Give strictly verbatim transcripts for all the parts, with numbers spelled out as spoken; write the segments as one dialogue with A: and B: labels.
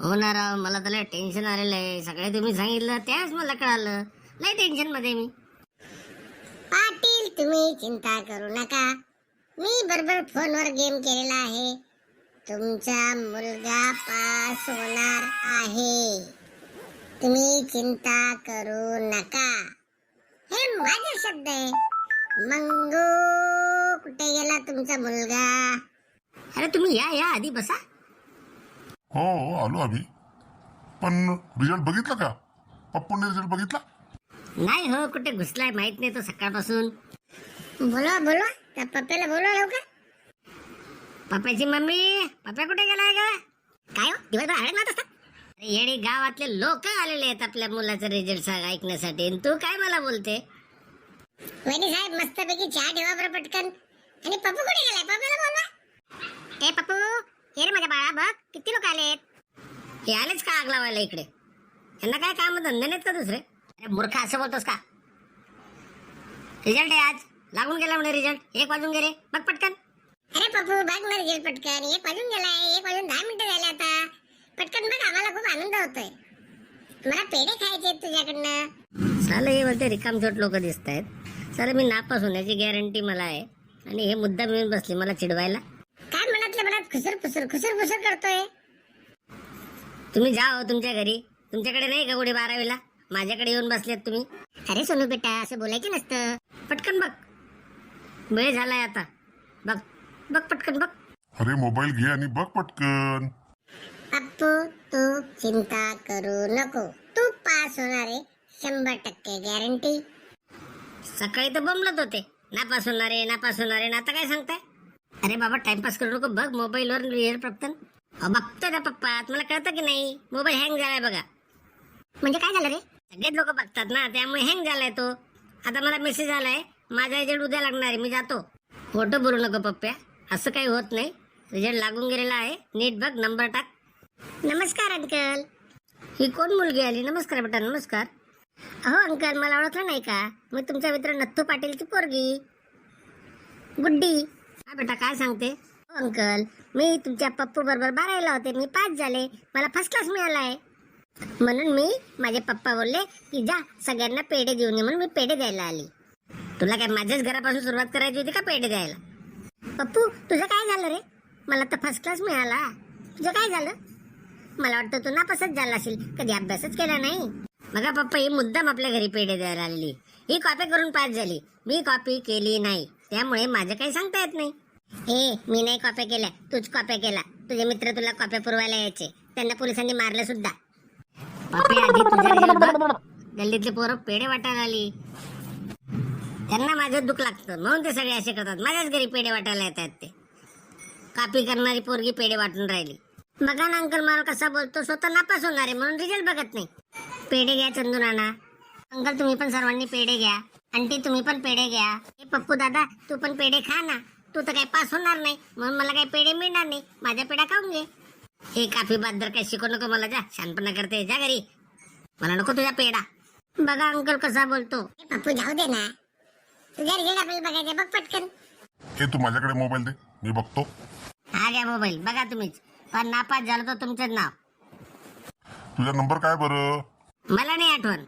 A: हो ना राव, मला त्याला टेन्शन आलेलं आहे. सगळे तुम्ही सांगितलं त्याच मला कळालं. लय टेन्शन मध्ये मी.
B: पाटील तुम्ही चिंता करू नका, मी बरोबर फोनवर गेम केलेला आहे. तुमचा मुलगा पास होणार आहे, तुम्ही चिंता करू नका. हे माझे शब्द आहे. मंगू कुठे गेला तुमचा मुलगा?
A: अरे तुम्ही या या आधी बसा.
C: हो हो आलो आम्ही. पण रिझल्ट बघितला का? पप्पूने रिझल्ट बघितला?
A: नाही हो, कुठे घुसलाय माहित नाही तो सकाळपासून.
B: बोलवा बोलवा त्या पप्प्याला बोलवा लवकर.
A: पप्प्याची मम्मी, पप्प्या कुठे गेलाय का?
B: काय हो दिवसभर हळद मारत असतात?
A: अरे येणे, गावातले लोक आलेले आहेत आपल्या मुलाचा रिझल्ट सांग ऐकण्यासाठी. आणि तू काय मला बोलते?
B: वहिनी साहेब मस्तपैकी चहा ठेवा बरं पटकन. आणि पप्पू कुठे गेलाय? पप्प्याला बोलवा. ए पप्पू, हे रे माझ्या बाळा, बघ किती लोक आलेत.
A: हे आलेच का आग लावायला इकडे? यांना काय काम धंदे नाहीत का दुसरे? अरे मूर्ख, असं बोलतोस का? रिझल्ट आहे आज, लागून गेला म्हणे रिझल्ट. एक वाजून गेले, बघ पटकन.
B: अरे पप्पू बघ ना रिझल्ट पटकन. एक वाजून गेलाय, एक वाजून दहा मिनिटं झाले आता. पटकन बघ, आम्हाला खूप आनंद होतोय. मला पेढे खायचे आहेत तुझ्याकडनं.
A: साले हे बोलते रिकामचोट लोक दिसत आहेत. साले मी नापास होण्याची गॅरंटी मला आहे आणि हे मुद्दा मिळून बसले मला चिडवायला.
B: काय मनातल्या मनात खुसर खुसर खुसर खुसर करतोय?
A: तुम्ही जा हो तुमच्या घरी. तुमच्याकडे नाही का कुठे बारावीला? माझ्याकडे येऊन बसलेत तुम्ही.
B: अरे सोनू बेटा, असं बोलायचं नसतं.
A: पटकन बघ, वेळ झालाय आता. बघ बघ पटकन बघ.
C: अरे मोबाईल घे आणि बघ पटकन.
B: पप्पू तू चिंता करू नको, तू पास होणार आहे शंभर टक्के गॅरंटी.
A: सकाळी तर बोंबलत होते, नापास होणार आहे नापास होणार आहे. ना आता काय सांगताय? अरे बाबा टाइमपास करू नको, बघ मोबाईलवर रिझल्ट पटकन. बघतोय ना पप्पा, तुम्हाला कळतं की नाही? मोबाईल हँग झालाय बघा.
B: म्हणजे काय झालं रे?
A: सगळेच लोक बघतात ना, त्यामुळे हँग झालाय तो. आता मला मेसेज आलाय, माझा रिझल्ट उद्या लागणार आहे, मी जातो. खोटं बोलू नको पप्प्या, असं काही होत नाही. रिझल्ट लागून गेलेला आहे, नीट बघ, नंबर टाक.
B: नमस्कार अंकल.
A: ही कोण मुलगी आली? नमस्कार बेटा, नमस्कार.
B: अहो अंकल, मला ओळखलं नाही का? मी तुमचा मित्र नथू पाटीलची पोरगी गुड्डी.
A: हा बेटा, काय सांगते?
B: हो अंकल, मी तुमच्या पप्पू बरोबर बारावीला होते, मी पास झाले, मला फर्स्ट क्लास मिळालाय. म्हणून मी माझे पप्पा बोलले की जा सगळ्यांना पेढे देऊन ये, म्हणून मी पेढे द्यायला आली.
A: तुला काय माझ्याच घरापासून सुरुवात करायची होती का पेढे द्यायला?
B: पप्पू तुझं काय झालं रे? मला तर फर्स्ट क्लास मिळाला, तुझं काय झालं? मला वाटतं तू नापासच झाला असेल, कधी अभ्यासच केला नाही.
A: बघा पप्पा, ही मुद्दाम आपल्या घरी पेढे द्यायला आलेली. ही कॉपी करून पास झाली, मी कॉपी केली नाही, त्यामुळे माझं काही सांगता येत नाही.
B: हे मी नाही कॉप्या केल्या, तूच कॉप्या केला. तुझे मित्र तुला कॉप्या पुरवायला यायचे, त्यांना पोलिसांनी मारलं सुद्धा.
A: पप्पी आधी तुझा रिझल्ट बघ. गल्लीतले पोरं पेढे वाटायला आली, त्यांना माझं दुःख लागतं म्हणून ते सगळे असे करतात. माझ्याच घरी पेढे वाटायला येतात ते. कॉपी करणारी पोरगी पेढे वाटून राहिली.
B: बघा ना अंकल, मला कसा बोलतो, स्वतः नापास होणार आहे म्हणून रिझल्ट बघत नाही.
A: पेढे घ्या चंदू नाना.
B: अंकल तुम्ही पण सर्वांनी पेढे घ्या. आंटी तुम्ही पण पेढे घ्या. हे पप्पू दादा तू पण पेढे खा ना. तू तर काही पास होणार नाही म्हणून मला काही पेढे मिळणार नाही, माझ्या पेढा खाऊन घे.
A: हे काफी बद्दल काही शिकू नको मला, जा शानपणा करते, जा घरी. मला नको तुझा पेढा.
B: बघा अंकल कसा बोलतो. पप्पू जाऊ दे ना, तुझ्या रिझल्ट आपल्याला बघायचे, बघ पटकन.
C: हे तू माझ्याकडे मोबाईल दे, मी बघतो.
A: हा घ्या मोबाईल, बघा तुम्हीच. पण नापास झालं तर तुमचं नाव.
C: तुझा नंबर काय बरं?
A: मला नाही आठवण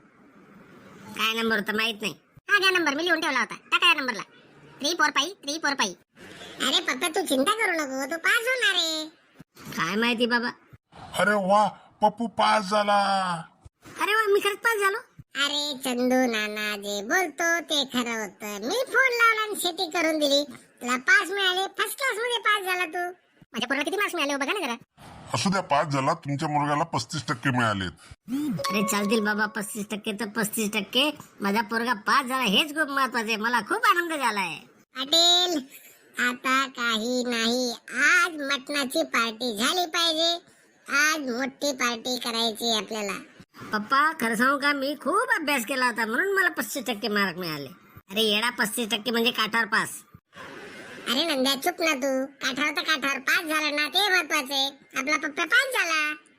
A: काय नंबर होता, माहित नाही.
B: हा घ्या नंबर, मी लिहून ठेवला होता, टाका या नंबरला. Three four five three four five. अरे पप्पा तू चिंता करू नको, तू पास होणार आहे.
A: काय माहिती बाबा.
C: अरे वा, पप्पू पास झाला.
A: अरे वा, मी खरंच पास झालो.
B: अरे चंदू नाना जे बोलतो ते खरं होतं. मी फोन लावला आणि शेती करून दिली, तुला पास मिळाले. फर्स्ट क्लास मध्ये पास झाला तू. माझ्या पोराला किती मार्क्स मिळाले बघा ना जरा.
C: असू द्या, पास झाला. तुमच्या मुलगाला पस्तीस टक्के मिळालेत.
A: अरे चालतील बाबा, पस्तीस टक्के तर पस्तीस टक्के. माझा पोरगा पास झाला हेच खूप महत्वाचं आहे. मला खूप आनंद झालाय.
B: पाटील आता काही नाही, आज मटणाची पार्टी झाली पाहिजे. आज मोठी पार्टी करायची आपल्याला.
A: पप्पा खरं सांगू का, मी खूप अभ्यास केला होता म्हणून मला पस्तीस टक्के मार्क मिळाले. अरे येडा, पस्तीस टक्के म्हणजे काठावर पास.
B: अरे नंद्या चुप ना तू. काठावर तर काठावर पास झाला ना, ते महत्वाचे. आपला पप्पा पास झाला.